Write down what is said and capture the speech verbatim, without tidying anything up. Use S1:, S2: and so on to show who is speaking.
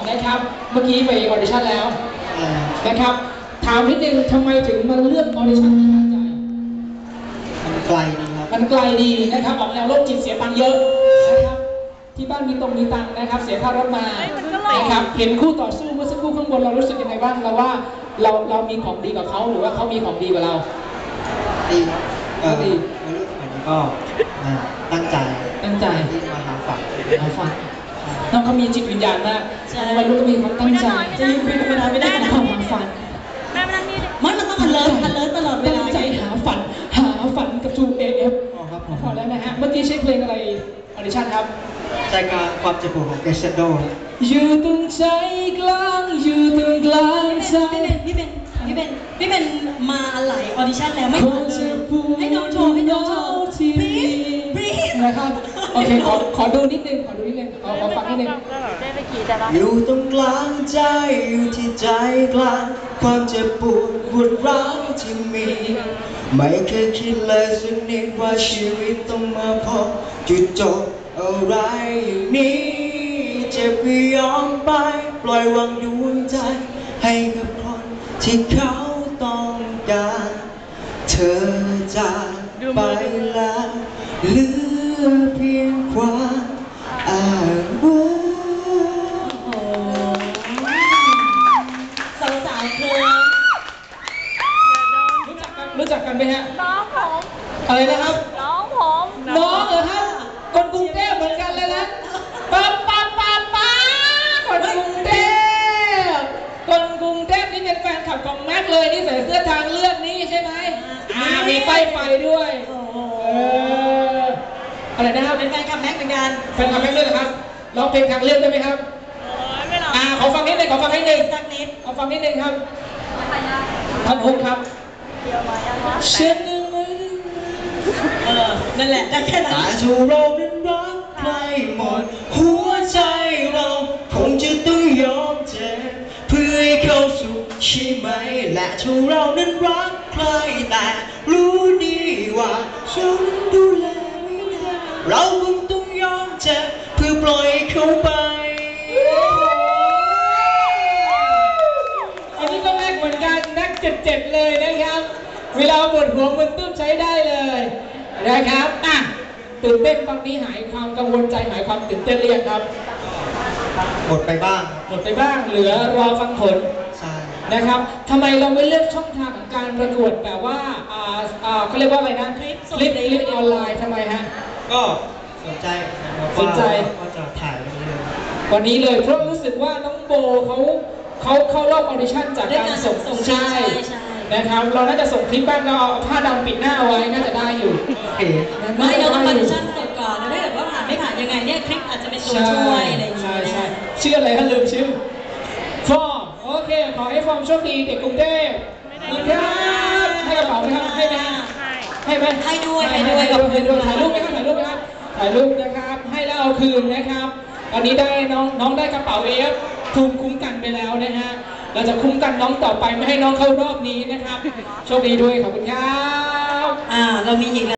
S1: นะครับเมื่อกี้ไปออดิชั่นแล้วนะครับถามนิดนึงทำไมถึงมาเลือกออดิชั่นที่บ้านใหญ่
S2: มันไกลดีครับ
S1: มันไกลดีนะครับออกแนวโรคจิตเสียตังค์เยอะนะครับที่บ้านมีตรงมีตังค์นะครับเสียค่ารถมานะครับเห็นคู่ต่อสู้เมื่อสักครู่ข้างบนเรารู้สึกยังไงบ้างเราว่าเราเรามีของดีกว่าเขาหรือว่าเขามีของดีกว่าเรา
S2: ดีครับก็ดีวัยรุ่นสมัยนี้ก็ตั้งใจ
S1: ตั้งใจ
S2: ที่มาหาฝัน
S1: หาฝันน้องเขามีจิตวิญญาณมากวัยรุ่นก็มีความตั้งใจ
S3: จะยืนคุยกันไม่ได้ไม่ได้
S1: ความหาฝัน
S3: แม่ไม่นั่งนี่มันมันต้องพันเลิศพันเลิศตลอดเวลา
S1: ตั้งใจหาฝันหาฝันกับทูเอฟ
S2: อ๋อครับ
S1: พอแล้วนะฮะเมื่อกี้ใช้เพลงอะไรออดิชั่นครับ
S2: ใจกลางความเจ็บปวดของเกสโด
S1: อยู่ตรงใจกลางอยู่ตรงกลางใจ
S3: พี่เป็นพี่เป็นพี่เป็นมาหลายออดิชั่นแล้วไม่ผ่านเลยให้น้องโชว์ให้น้องโชว์พีทพีท
S1: นะครับโอเคขอขอดูนิดนึงขอดูนิดนึงขอขอฟังนิดนึง
S2: อยู่ตรงกลางใจอยู่ที่ใจกลางความเจ็บปวดปวดร้าวที่มีไม่เคยคิดเลยสักนิดว่าชีวิตต้องมาพบจุดจบอะไรอย่างนี้เจ็บก็ยอมไปปล่อยวางดวงใจให้กับคนที่เขาต้องการเธอจากไปแล้วเหลือเพียงความอ้างว้าง
S3: สาวสาวเพลง
S1: รู้จักกันรู้จักกันไหมฮะ
S4: น้องผม
S1: อะไรนะครับ
S4: น้องผม
S1: น้องเหรอครับคนกรุงเทพเหมือนกันเลยนะป๊าป๊าป๊าป๊าคนกรุงเทพคนกรุงเทพนี่เป็นแฟนคลับของแม็กเลยนี่ใส่เสื้อทางเลือกนี่ใช่ไหมอ่ามีป้ายไฟด้วยอะไรนะครับ
S3: เป็นแฟนคลับแม็กเหมือนกัน
S1: แฟนคลับแม็กด้วยนะครับร้องเพลงทางเลือกได้ไหมครับ
S4: ไม่หรอก
S1: อ่าขอฟังนิดนึงขอฟังนิดนึง
S3: สักนิด
S1: ขอฟังนิดนึงครับท่านฮุกครับเชื่อหนึ่ง
S3: เออนั่นแหละได้แค่นั้น
S2: แต่ถ้าเรานั้นรักใครหมดหัวใจเราคงจะต้องยอมเจ็บเพื่อให้เขาสุขใช่ไหมและถ้าเรานั้นรักใครแต่รู้ดีว่าฉันดูแลไม่ได้เราคงต้องยอมเจ็บเพื่อปล่อยเขาไป
S1: อันนี้ก็แม็กเหมือนกันนักเจ็ดเจ็ดเลยนะครับเวลาปวดหัวมันตื้มใช้ได้เลยนะครับอ่ะตื่นเต้นตอนนี้หายความกังวลใจหายความตื่นเต้นเรียกครับ
S2: หมดไปบ้าง
S1: หมดไปบ้างเหลือรอฟังผล
S2: ใช่
S1: นะครับทำไมเราไม่เลือกช่องทางของการประกวดแบบว่าอ่าอ่าเขาเรียกว่าอะไรนะคลิปคลิปคลิปออนไลน์ทำไมฮะ
S2: ก็สนใจ
S1: สนใจ
S2: ก็จะถ่ายวันนี้เลย
S1: วันนี้เลยเพราะรู้สึกว่าน้องโบเขาเขาเข้ารอบออดิชั่นจากการส่งส่งใช่นะครับเราน่าจะส่งคลิปบ้างเราเอาผ้าดำปิดหน้าไว้น่าจะได้อยู่
S3: ไม่เราต้องออดิชั่นจบก่อนแล้วถ้าเกิดว่าผ่านไม่ผ่านยังไงเนี่ยคลิปอาจจะเป็นตัวช่วยอะไรอย่างเงี้ย
S1: ใช่ใช่ชื่ออะไรท่านลืมชื่อฟอร์มโอเคขอให้ฟอร์มโชคดีเด็กกรุงเทพครับให้กระเป๋าไหมครับให้ไหมให้ไหม
S3: ให้ด้วยให้ด้วยกับ
S1: ให้ด้วยถ่ายรูปไหมครับถ่ายรูปไหมครับถ่ายรูปนะครับให้แล้วเอาคืนนะครับตอนนี้ได้น้องน้องได้กระเป๋าเอฟภูมิคุ้มกันไปแล้วนะฮะเราจะคุ้มกันน้องต่อไปไม่ให้น้องเข้ารอบนี้นะครับโชคดีด้วยขอบคุณครับ
S3: อ่าเรามีอีก